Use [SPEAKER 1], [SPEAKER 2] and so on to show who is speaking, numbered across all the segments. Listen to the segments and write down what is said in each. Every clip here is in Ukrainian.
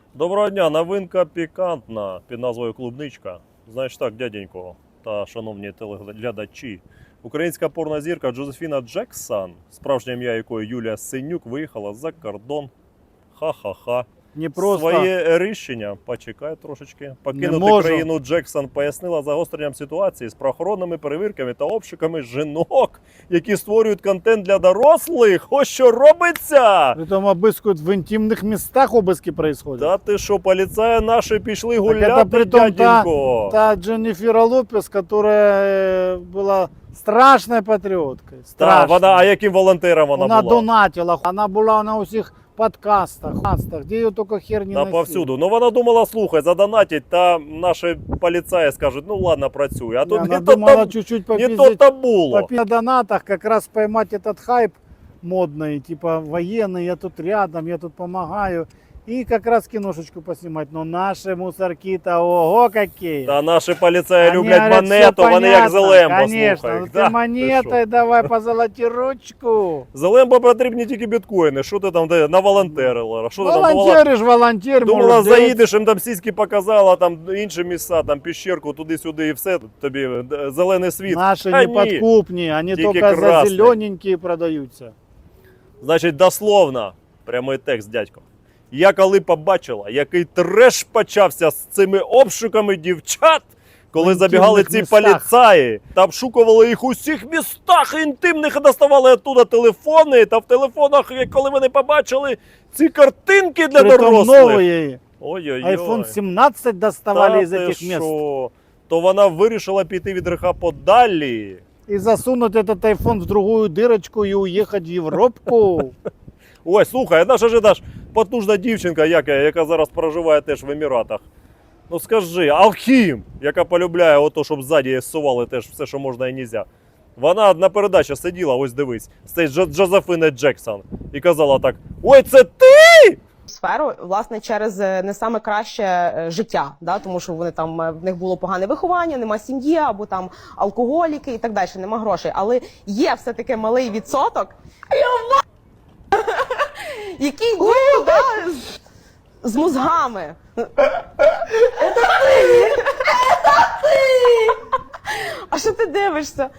[SPEAKER 1] Доброго дня, новинка пікантна під назвою Клубничка. Значить так, дяденько та шановні телеглядачі. Українська порнозірка Джозефіна Джексон, справжнє ім'я якої Юлія Синюк, виїхала за кордон. Ха-ха-ха.
[SPEAKER 2] Не просто.
[SPEAKER 1] Своє рішення, почекай трошечки, покинути країну Джексон пояснила загостренням ситуації з правоохоронними перевірками та обшуками жінок, які створюють контент для дорослих. Ось що робиться!
[SPEAKER 2] Притом обыскивают в интимных местах, обыски происходят.
[SPEAKER 1] Та ти що, поліцаї наші пішли гуляти,
[SPEAKER 2] это притом
[SPEAKER 1] дяденько?
[SPEAKER 2] та Дженнифера Лопес, которая была страшной патриоткой.
[SPEAKER 1] Та,
[SPEAKER 2] Страшной.
[SPEAKER 1] а яким волонтером вона була?
[SPEAKER 2] донатила. Она была на усіх подкастах, где ее только хер не
[SPEAKER 1] Та
[SPEAKER 2] носили.
[SPEAKER 1] повсюду. Ну вона думала, слухай, задонатить, та наші поліцаї скажуть, ну ладно, працюй. А тут
[SPEAKER 2] Она
[SPEAKER 1] не то
[SPEAKER 2] думала
[SPEAKER 1] там,
[SPEAKER 2] чуть-чуть
[SPEAKER 1] не
[SPEAKER 2] попиздить
[SPEAKER 1] то було.
[SPEAKER 2] на донатах, как раз поймать этот хайп модный, типа военный, я тут рядом, я тут помогаю. И как раз киношечку поснимать. Но наши мусорки-то ого какие.
[SPEAKER 1] Та наші поліцаї
[SPEAKER 2] Они
[SPEAKER 1] люблять
[SPEAKER 2] говорят,
[SPEAKER 1] монету,
[SPEAKER 2] «Всё
[SPEAKER 1] вони як
[SPEAKER 2] понятно,
[SPEAKER 1] Зелембо,
[SPEAKER 2] конечно,
[SPEAKER 1] слухай.
[SPEAKER 2] ну
[SPEAKER 1] Да,
[SPEAKER 2] ты монетой давай позолоти ручку.
[SPEAKER 1] Зелембо потрібні тільки біткоїни. Що ти там наволонтерила? Що ти там думала?
[SPEAKER 2] Волонтеришь, волонтер,
[SPEAKER 1] Думала,
[SPEAKER 2] молодець.
[SPEAKER 1] заїдеш, їм там сіськи показала, там інші місця, там піщерку, туди-сюди і все, тобі зелений світ.
[SPEAKER 2] Наши
[SPEAKER 1] А
[SPEAKER 2] не подкупні, они
[SPEAKER 1] Тільки
[SPEAKER 2] только за
[SPEAKER 1] красний.
[SPEAKER 2] зелененькие продаются.
[SPEAKER 1] Значить, дословно, прямий текст, дядько. Я коли побачила, який треш почався з цими обшуками дівчат, коли
[SPEAKER 2] В
[SPEAKER 1] забігали
[SPEAKER 2] інтимних
[SPEAKER 1] ці
[SPEAKER 2] містах.
[SPEAKER 1] поліцаї та обшукували їх у всіх містах інтимних і доставали оттуда телефони, та в телефонах, коли вони побачили ці картинки для
[SPEAKER 2] Притом
[SPEAKER 1] дорослих.
[SPEAKER 2] новые.
[SPEAKER 1] Ой-ой-ой.
[SPEAKER 2] iPhone 17 доставали
[SPEAKER 1] Та
[SPEAKER 2] из
[SPEAKER 1] ти
[SPEAKER 2] этих мест.
[SPEAKER 1] що? То вона вирішила піти від греха подалі.
[SPEAKER 2] И засунуть этот iPhone в другую дырочку и уехать в Европку.
[SPEAKER 1] Ой, слухай, наша ж потужна дівчинка, яка зараз проживає теж в Еміратах. Ну скажи, Алхім, яка полюбляє ото, щоб ззаді зсували теж все, що можна і нельзя. Вона на передачі сиділа, ось дивись, з цією Джозефіною Джексон. І казала так: ой, це ти?
[SPEAKER 3] Сферу, власне, через не саме краще життя, да, тому що вони там в них було погане виховання, нема сім'ї, або там алкоголіки і так далі, нема грошей. Але є все-таки малий відсоток, який є, да, з мозгами. А що ти дивишся?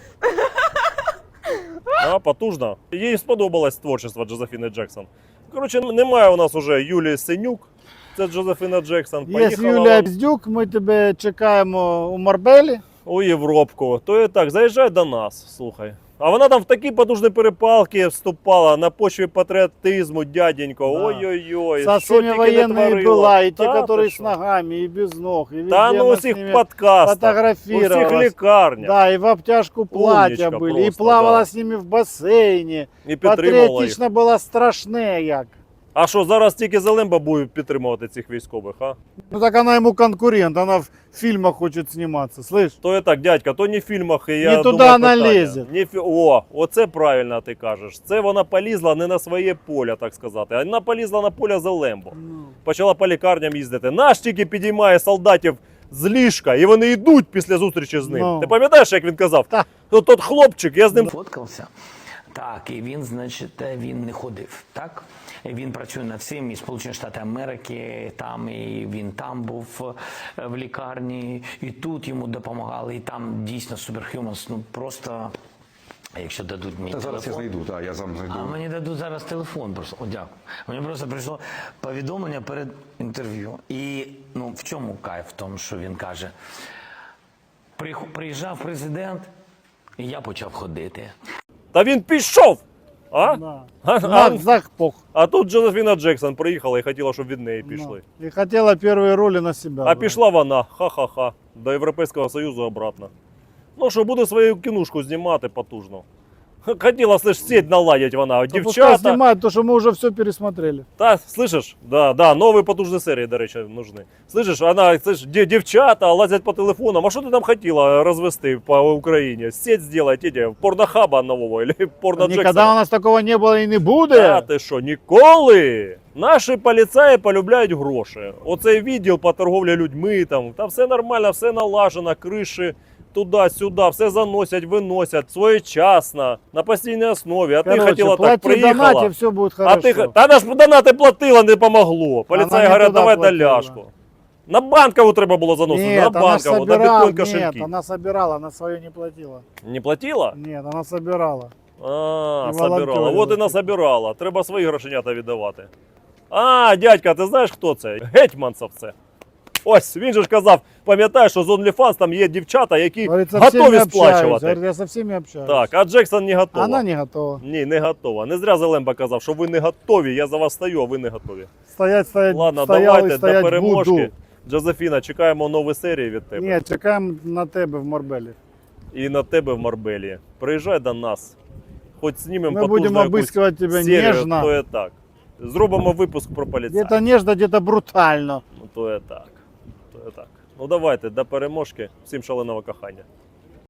[SPEAKER 1] А, потужно. Їй сподобалось творчество Джозефіни Джексон. Коротше, немає у нас уже Юлії Синюк. Це Джозефіна Джексон.
[SPEAKER 2] Есть
[SPEAKER 1] Поїхала
[SPEAKER 2] Юлия Бздюк, мы тебе чекаємо у Марбелі.
[SPEAKER 1] у Європку. То і так, заїжджай до нас, слухай. А вона там в такі потужні перепалки вступала на почві патріотизму, дяденько.
[SPEAKER 2] Да.
[SPEAKER 1] Ой-ой-ой,
[SPEAKER 2] Со
[SPEAKER 1] що
[SPEAKER 2] всеми
[SPEAKER 1] тільки не
[SPEAKER 2] военными
[SPEAKER 1] творила.
[SPEAKER 2] была, и те,
[SPEAKER 1] Та
[SPEAKER 2] которые
[SPEAKER 1] ти
[SPEAKER 2] с
[SPEAKER 1] що?
[SPEAKER 2] ногами, и без ног, и везде
[SPEAKER 1] Та ну
[SPEAKER 2] она
[SPEAKER 1] у
[SPEAKER 2] с
[SPEAKER 1] всіх
[SPEAKER 2] ними
[SPEAKER 1] подкастах, у всіх
[SPEAKER 2] фотографировалась.
[SPEAKER 1] лікарнях.
[SPEAKER 2] Да, и в обтяжку платья
[SPEAKER 1] Умничка
[SPEAKER 2] были, и
[SPEAKER 1] просто,
[SPEAKER 2] плавала
[SPEAKER 1] да.
[SPEAKER 2] с ними в бассейне.
[SPEAKER 1] І підтримувала їх.
[SPEAKER 2] Патріотично була страшне як.
[SPEAKER 1] А що, зараз тільки Зелемба буде підтримувати цих військових, а?
[SPEAKER 2] Ну так она ему конкурент, она в фильмах хочет сниматься, слышь?
[SPEAKER 1] То і так, дядька, то не в фільмах, і я
[SPEAKER 2] Не туди
[SPEAKER 1] думаю,
[SPEAKER 2] вона
[SPEAKER 1] питання.
[SPEAKER 2] лізе.
[SPEAKER 1] О, оце правильно ти кажеш. Це вона полізла не на своє поле, так сказати, а вона полізла на поле Зелембо. Почала по лікарням їздити. Наш тільки підіймає солдатів з ліжка, і вони йдуть після зустрічі з ним.
[SPEAKER 2] Ну.
[SPEAKER 1] Ти пам'ятаєш, як він казав?
[SPEAKER 2] Так.
[SPEAKER 1] Ну, тот хлопчик, я з ним...
[SPEAKER 4] Фоткався. Так, і він, значить, він не ходив, так? Він працює над цим і Сполучені Штати Америки, там, і він там був в лікарні, і тут йому допомагали, і там дійсно Superhumans, ну просто, якщо дадуть мені телефон.
[SPEAKER 5] Зараз я знайду, так, я сам знайду.
[SPEAKER 4] А мені дадуть зараз телефон просто. О, дякую. Мені просто прийшло повідомлення перед інтерв'ю. І, ну, в чому кайф? В тому, що він каже, приїжджав президент, і я почав ходити.
[SPEAKER 1] Та він пішов! А?
[SPEAKER 2] Да.
[SPEAKER 1] А,
[SPEAKER 2] Захпох.
[SPEAKER 1] а тут Джозефіна Джексон приїхала і хотіла, щоб від неї пішли.
[SPEAKER 2] И хотела первые роли на себя.
[SPEAKER 1] А
[SPEAKER 2] брать.
[SPEAKER 1] пішла вона, ха-ха-ха, до Європейського Союзу обратно. Ну що, буде свою кінушку знімати потужно. Хотіла, слышь, сеть наладить вона,
[SPEAKER 2] Да пускай
[SPEAKER 1] дівчата.
[SPEAKER 2] снимают, то, что мы уже все пересмотрели.
[SPEAKER 1] Та, слышиш, да, нові потужні серії, до речі, нужны. Слышиш, вона, слышиш, дівчата лазять по телефонам. А що ти там хотіла розвести по Україні? Сеть зробити, порнохаба нового, или порно
[SPEAKER 2] Никогда у
[SPEAKER 1] Джексона?
[SPEAKER 2] нас такого не было и не
[SPEAKER 1] Та
[SPEAKER 2] будет.
[SPEAKER 1] ти що, ніколи? Наші поліцаї полюбляють гроші. Оцей відділ по торговлі людьми, там все нормально, все налажено, криші туди-сюди, все заносять, виносять своєчасно, на постійній основі. А ти
[SPEAKER 2] Короче,
[SPEAKER 1] хотіла так,
[SPEAKER 2] плати, донати,
[SPEAKER 1] приїхала.
[SPEAKER 2] все будет
[SPEAKER 1] А
[SPEAKER 2] хорошо.
[SPEAKER 1] ти, та ж донати платила, не помогло. Поліцаї
[SPEAKER 2] не
[SPEAKER 1] говорять,
[SPEAKER 2] туди
[SPEAKER 1] давай
[SPEAKER 2] платила.
[SPEAKER 1] доляшку. На банкову треба було заносити, на
[SPEAKER 2] Нет, она
[SPEAKER 1] банкову, на
[SPEAKER 2] собирала,
[SPEAKER 1] біткоін
[SPEAKER 2] нет,
[SPEAKER 1] кошельки.
[SPEAKER 2] она собирала, она свое не платила.
[SPEAKER 1] Не платила?
[SPEAKER 2] Нет, она собирала.
[SPEAKER 1] А,
[SPEAKER 2] І
[SPEAKER 1] собирала.
[SPEAKER 2] волонтерила.
[SPEAKER 1] От і насобирала. Треба свої грошенята віддавати. А, дядька, ти знаєш, хто це? Гетьманцев це. Ось, він же ж казав, пам'ятаєш, що з OnlyFans там є дівчата, які
[SPEAKER 2] Говорит, со всеми
[SPEAKER 1] готові
[SPEAKER 2] общаюсь.
[SPEAKER 1] сплачувати.
[SPEAKER 2] Говорит, я со всеми общаюсь.
[SPEAKER 1] Так, а Джексон не готова.
[SPEAKER 2] Она не готова.
[SPEAKER 1] Ні, не готова. Не зря Зелемба казав, що ви не готові, я за вас стою, а ви не готові.
[SPEAKER 2] Стоять,
[SPEAKER 1] Ладно,
[SPEAKER 2] стоял
[SPEAKER 1] давайте
[SPEAKER 2] и
[SPEAKER 1] до
[SPEAKER 2] стоять
[SPEAKER 1] переможки.
[SPEAKER 2] буду.
[SPEAKER 1] Джозефіна, чекаємо нові серії від тебе.
[SPEAKER 2] Ні, чекаємо на тебе в Марбелі.
[SPEAKER 1] І на тебе в Марбелі. Приїжджай до нас. Хоч знімемо
[SPEAKER 2] Ми будемо
[SPEAKER 1] потужну якусь
[SPEAKER 2] обыскивать тебе
[SPEAKER 1] серію,
[SPEAKER 2] ніжно.
[SPEAKER 1] то є так. Зробимо випуск про поліцаїв.
[SPEAKER 2] Где-то нежно, где-то брутально.
[SPEAKER 1] Ну, то є так. То є так. Ну давайте, до переможки. Всім шаленого кохання.